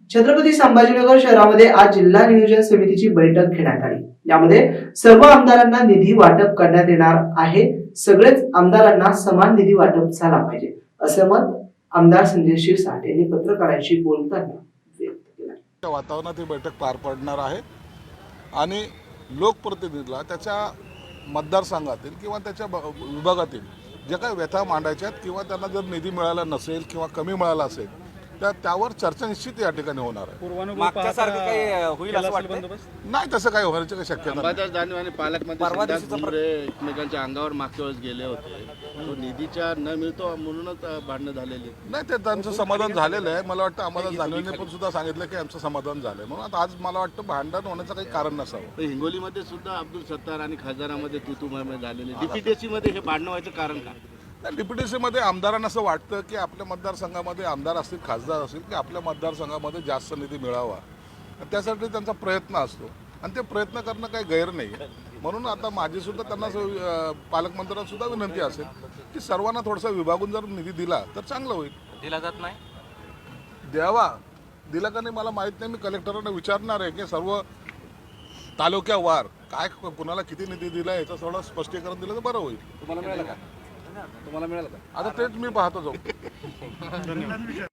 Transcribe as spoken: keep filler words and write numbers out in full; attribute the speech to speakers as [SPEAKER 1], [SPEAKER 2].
[SPEAKER 1] छत्रपती संभाजीनगर शहरामध्ये आज जिल्हा नियोजन समितीची बैठक घेण्यात आली। यामध्ये सर्व आमदारांना निधी वाटप करण्यात येणार आहे। सगळेच आमदारांना समान निधी वाटप झाला पाहिजे असं मत आमदार संजय शिरसाट यांनी पत्रकारांशी बोलताना व्यक्त केलं।
[SPEAKER 2] वातावरणात ही बैठक पार पडणार आहे आणि लोकप्रतिनिधीला त्याच्या मतदारसंघातील किंवा त्याच्या विभागातील जे काही व्यथा मांडायच्या आहेत किंवा त्यांना जर निधी मिळाला नसेल किंवा कमी मिळाला असेल तर त्यावर चर्चा निश्चित या ठिकाणी होणार आहे।
[SPEAKER 3] मागच्यासारखं काही होईल असं वाटतं?
[SPEAKER 2] नाही, तसं काही होण्याची काही शक्यता नाही।
[SPEAKER 4] अंबादास दानवे आणि पालकमंत्री भुमरे एकमेकांच्या अंगावर मागच्या वेळेस गेले होते, तो निधीच्या न मिळतो म्हणूनच भांडणं झालेली
[SPEAKER 2] नाही, ते त्यांचं समाधान झालेलं आहे। मला वाटतं अंबादास दानवेंनी पण सुद्धा सांगितलं की आमचं समाधान झालंय, म्हणून आता आज मला वाटतं भांडण होण्याचं काही कारण नसावं।
[SPEAKER 4] हिंगोलीमध्ये सुद्धा अब्दुल सत्तार आणि खासदारामध्ये तुतुमय झालेली, डीपीटीसी मध्ये हे भांडणं व्हायचं कारण काय?
[SPEAKER 2] डीपीटीसी मध्ये आमदारांना असं वाटतं की आपल्या मतदारसंघामध्ये आमदार असतील, खासदार असतील, की आपल्या मतदारसंघामध्ये जास्त निधी मिळावा, त्यासाठी त्यांचा प्रयत्न असतो आणि ते प्रयत्न करणं काही गैर नाही आहे। म्हणून आता माझी सुद्धा त्यांना पालकमंत्र्यांना सुद्धा विनंती असेल की सर्वांना थोडासा विभागून जर निधी दिला तर चांगलं होईल।
[SPEAKER 3] दिला जात नाही,
[SPEAKER 2] द्यावा, दिला का नाही मला माहीत नाही। मी कलेक्टरांना विचारणार आहे की सर्व तालुक्यावार काय कुणाला किती निधी दिला याचं थोडं स्पष्टीकरण दिलं तर बरं होईल।
[SPEAKER 4] तुम्हाला मिळालं का? तुम्हाला मिळालं का?
[SPEAKER 2] आता तेच मी पाहतो जाऊ।